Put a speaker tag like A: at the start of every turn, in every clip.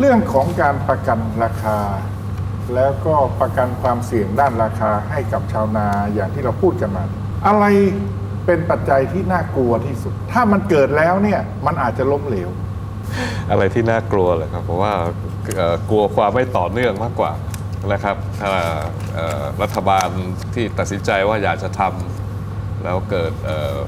A: เรื่องของการประกันราคา แล้วก็ประกันความเสี่ยงด้านราคาให้กับชาวนาอย่างที่เราพูดกันมา อะไรเป็นปัจจัยที่น่ากลัวที่สุด ถ้ามันเกิดแล้วเนี่ยมันอาจจะล้มเหลว
B: อะไรที่น่ากลัวเลยครับเพราะว่ากลัวความไม่ต่อเนื่องมากกว่านะครับถ้ารัฐบาลที่ตัดสินใจว่าอยากจะทำแล้วเกิด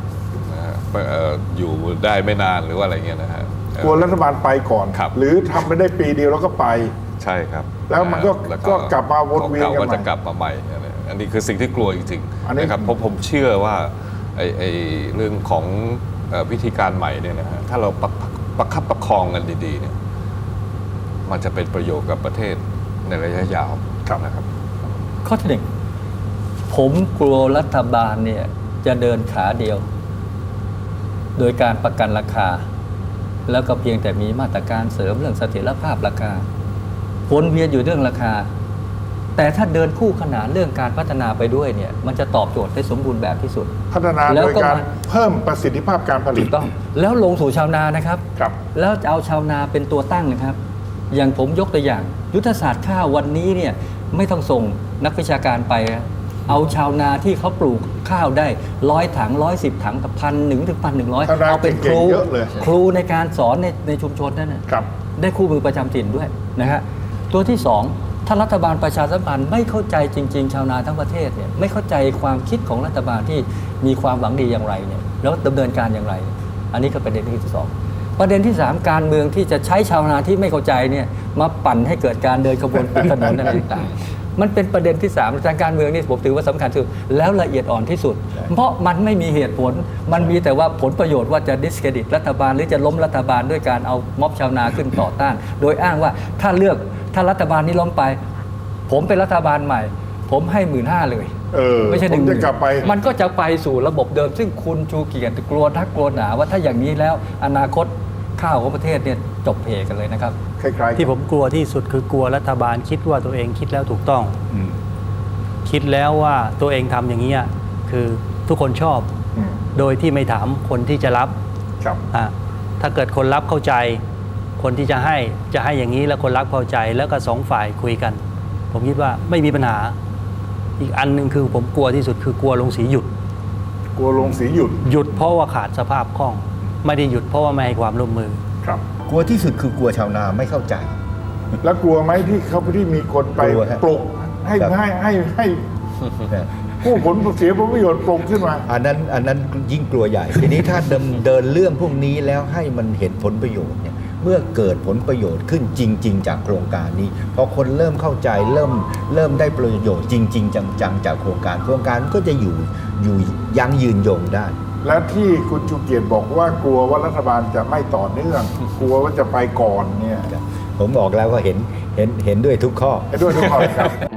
B: อยู่ได้ไม่นานหรือว่าอะไรเงี้ยนะฮะ
A: กลัวรัฐบาลไปก่อนหรือทำไปได้ปีเดียวแล้วก็ไป
B: ใช่ครับ
A: แล้วมันก็กลับมาวนเวียนกันใหม่
B: ก็จะกลับมาใหม่อันนี้คือสิ่งที่กลัวจริงๆนะครับเพราะผมเชื่อว่าไอ้เรื่องของวิธีการใหม่เนี่ยนะฮะถ้าเราประคับประคองกันดีๆเนี่ยมันจะเป็นประโยชน์กับประเทศในระยะยาวนะครับ
C: ข้อที่หนึ่งผมกลัวรัฐบาลเนี่ยจะเดินขาเดียว โดยการประกันราคา แล้วก็เพียงแต่มีมาตรการเสริมเรื่องเสถียรภาพราคาวนเวียนอยู่เรื่องราคา แต่ถ้าเดินคู่ขนานเรื่องการพัฒนาไปด้วยเนี่ยมันจะตอบโจทย์ได้สมบูรณ์แบบที่สุด
A: พัฒนาโดยการเพิ่มประสิทธิภาพการผลิต
C: ต้องแล้วลงสู่ชาวนานะครับแล้วจะเอาชาวนาเป็นตัวตั้งนะครับอย่างผมยกตัวอย่างยุทธศาสตร์ข้าววันนี้เนี่ยไม่ต้องส่งนักวิชาการไปเอาชาวนาที่เขาปลูกข้าวได้100 ถัง110 ถังกับ1,000 ถึง 1,100เอาเป็นครูในการสอนในชุมชนนั่นนะได้คู่มือประจำถิ่นด้วยนะฮะตัวที่สองถ้ารัฐบาลประชาสัมพันธ์ไม่เข้าใจจริงๆชาวนาทั้งประเทศเนี่ยไม่เข้าใจความคิดของรัฐบาลที่มีความหวังดีอย่างไรเนี่ยแล้วดำเนินการอย่างไรอันนี้ก็ประเด็นที่สองประเด็นที่3การเมืองที่จะใช้ชาวนาที่ไม่เข้าใจเนี่ยมาปั่นให้เกิดการเดินขบวนปิดถนนอะไรต่างๆมันเป็นประเด็นที่3ทางการเมืองนี่ผมถือว่าสำคัญที่สุดแล้วละเอียดอ่อนที่สุดเพราะมันไม่มีเหตุผลมันมีแต่ว่าผลประโยชน์ว่าจะดิสเครดิตรัฐบาลหรือจะล้มรัฐบาลด้วยการเอาม็อบชาวนาขึ้นต่อต้านโดยอ้างว่าถ้ารัฐบาลนี้ล้มไปผมเป็นรัฐบาลใหม่ผมให้15,000เลยไม่ใช่10,000มันก็จะไปสู่ระบบเดิมซึ่งคุณชูเกียรติกลัวทักกลัวหนาว่าถ้าอย่างนี้แล้วอนาคตข้าวของประเทศเนี่ยจบเพกันเลยนะครับ
D: ที่ผมกลัวที่สุดคือกลัวรัฐบาลคิดว่าตัวเองคิดแล้วถูกต้องคิดแล้วว่าตัวเองทำอย่างนี้คือทุกคนชอบโดยที่ไม่ถามคนที่จะรับถ้าเกิดคนรับเข้าใจคนที่จะให้อย่างนี้แล้วคนรับเข้าใจแล้วก็2 ฝ่ายคุยกันผมคิดว่าไม่มีปัญหาอีกอันนึงคือผมกลัวที่สุดคือกลัวโรงสีหยุด
A: กลัวโรงสีห
D: ยุดเพราะว่าขาดสภาพคล่องไม่ได้หยุดเพราะว่าไม่ให้ความร่วมมือ
A: ครับ
E: กลัวที่สุดคือกลัวชาวนาไม่เข้าใจ
A: แล้วกลัวไหมที่มีคนไปปลุกให้ผู้ผลเสียผลประโยชน์ปลุกขึ้นมา
E: อันนั้นยิ่งกลัวใหญ่ทีนี้ถ้าเดินเรื่องพวกนี้แล้วให้มันเห็นผลประโยชน์เนี่ยเมื่อเกิดผลประโยชน์ขึ้นจริงๆจากโครงการนี้พอคนเริ่มเข้าใจเริ่มได้ประโยชน์จริงๆจังๆจากโครงการก็จะอยู่ยั้งยืนยงได้
A: และที่คุณชูเกียรติบอกว่ากลัวว่ารัฐบาลจะไม่ต่อเนื่องกลัวว่าจะไปก่อนเนี่ย
E: ผมบอกแล้วว่าเห็นด้วยทุกข้อ
A: ครับ